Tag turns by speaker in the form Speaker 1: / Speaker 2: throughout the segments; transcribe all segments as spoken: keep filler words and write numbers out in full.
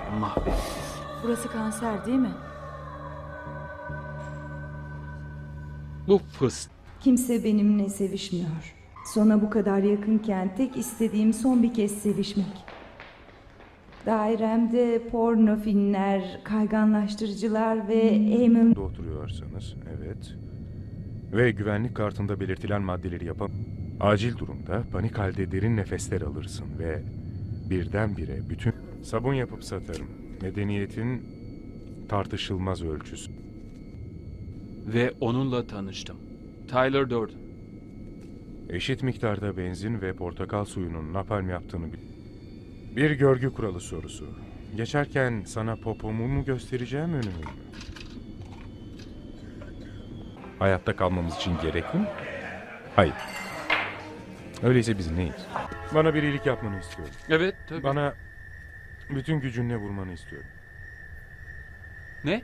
Speaker 1: mahvedildi.
Speaker 2: Burası kanser değil mi?
Speaker 1: Bu fıs.
Speaker 3: Kimse benimle sevişmiyor. Sona bu kadar yakınken tek istediğim son bir kez sevişmek. Dairemde porno filmler, kayganlaştırıcılar ve Eamon...
Speaker 4: Oturuyorsanız, evet. Ve güvenlik kartında belirtilen maddeleri yapam. Acil durumda panik halde derin nefesler alırsın ve birdenbire bütün sabun yapıp satarım. Medeniyetin tartışılmaz ölçüsü.
Speaker 1: Ve onunla tanıştım. Tyler Durden.
Speaker 4: Eşit miktarda benzin ve portakal suyunun napalm yaptığını bil. Bir görgü kuralı sorusu. Geçerken sana popomu mu göstereceğim, önümü mü? Hayatta kalmamız için gerekli mi? Hayır. Öyleyse biz neyiz? Bana bir iyilik yapmanı istiyorum.
Speaker 1: Evet tabii.
Speaker 4: Bana bütün gücünle vurmanı istiyorum.
Speaker 1: Ne?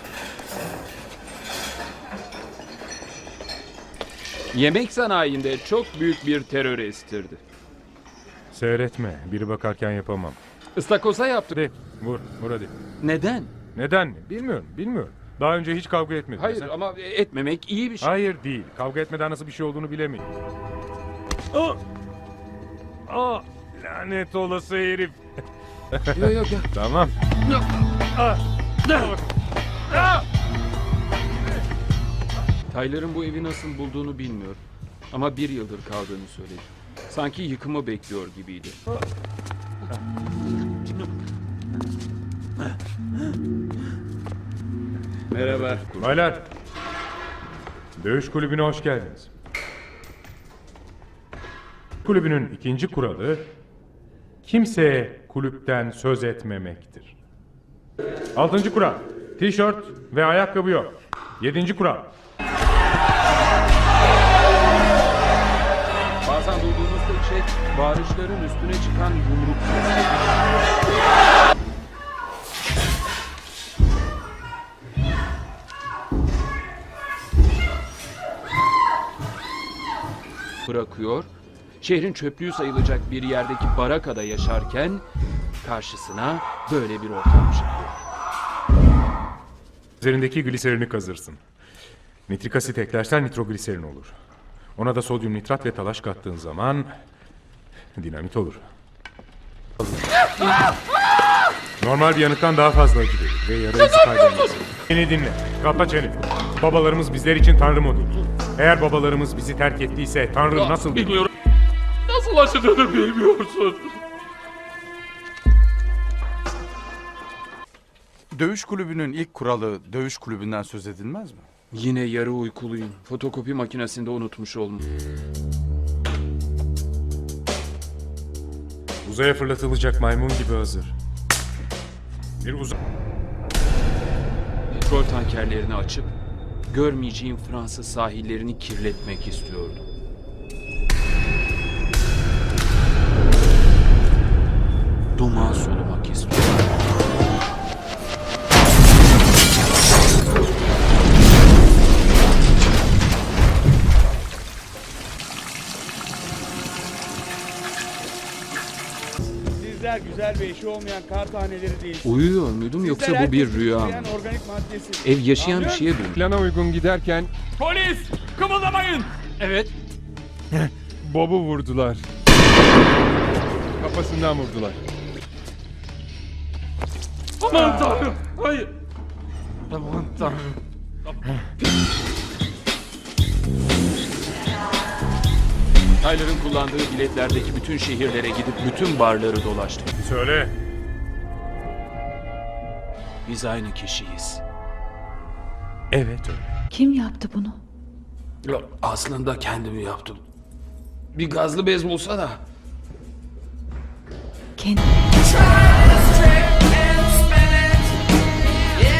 Speaker 1: Yemek sanayinde çok büyük bir terör estirdi.
Speaker 4: Seyretme. Biri bakarken yapamam.
Speaker 1: Istakoza yaptı.
Speaker 4: Hadi vur. Vur hadi.
Speaker 1: Neden?
Speaker 4: Neden mi? Bilmiyorum. Bilmiyorum. Daha önce hiç kavga etmedim.
Speaker 1: Hayır
Speaker 4: Sen-
Speaker 1: ama etmemek iyi bir şey.
Speaker 4: Hayır değil. Kavga etmeden nasıl bir şey olduğunu bilemeyin. Aa! Aa! Lanet olası herif.
Speaker 1: Yok yok yok.
Speaker 4: Tamam.
Speaker 1: Tyler'ın bu evi nasıl bulduğunu bilmiyorum. Ama bir yıldır kaldığını söyledi. Sanki yıkımı bekliyor gibiydi. Merhaba.
Speaker 4: Baylar. Dövüş kulübüne hoş geldiniz. Kulübünün ikinci kuralı kimseye kulüpten söz etmemektir. Altıncı kural. Tişört ve ayakkabı yok. Yedinci kural.
Speaker 1: Bazen duyduğumuz tek şey bağırışların üstüne çıkan yumruk sesleri. Bırakıyor, şehrin çöplüğü sayılacak bir yerdeki barakada yaşarken karşısına böyle bir ortam çıkıyor.
Speaker 4: Üzerindeki gliserini kazırsın. Nitrik asit eklersen nitrogliserin olur. Ona da sodyum nitrat ve talaş kattığın zaman dinamit olur. Normal bir yanıktan daha fazla acı verir ve yara izi kaybedersin. Beni dinle. Kapa çeneni. Babalarımız bizler için Tanrı modu. Eğer babalarımız bizi terk ettiyse Tanrı nasıl...
Speaker 1: Bilmiyorum. Nasıl acıdığını bilmiyorsun.
Speaker 5: Dövüş kulübünün ilk kuralı dövüş kulübünden söz edilmez mi?
Speaker 1: Yine yarı uykuluyum. Fotokopi makinesinde unutmuş oldum.
Speaker 4: Uzaya fırlatılacak maymun gibi hazır. Bir uzay...
Speaker 1: Petrol tankerlerini açıp görmeyeceğim Fransız sahillerini kirletmek istiyordum. Duman solumak istiyordum.
Speaker 6: Sizler güzel ve eşi olmayan kar taneleri değil.
Speaker 1: Uyuyor muydum yoksa bu bir rüya mı?
Speaker 6: Organik maddesi.
Speaker 1: Ev yaşayan bir şeye dönüyor.
Speaker 4: Plana uygun giderken
Speaker 6: Polis! Kımıldamayın!
Speaker 1: Evet.
Speaker 4: Bob'u vurdular. Kafasından vurdular.
Speaker 1: Aman tanrım. Hayır. Aman tanrım. Tyler'ın kullandığı biletlerdeki bütün şehirlere gidip bütün barları dolaştık.
Speaker 4: Söyle.
Speaker 1: Biz aynı kişiyiz.
Speaker 4: Evet öyle.
Speaker 2: Kim yaptı bunu?
Speaker 1: Yok, aslında kendim yaptım. Bir gazlı bez bulsana.
Speaker 2: Kendi.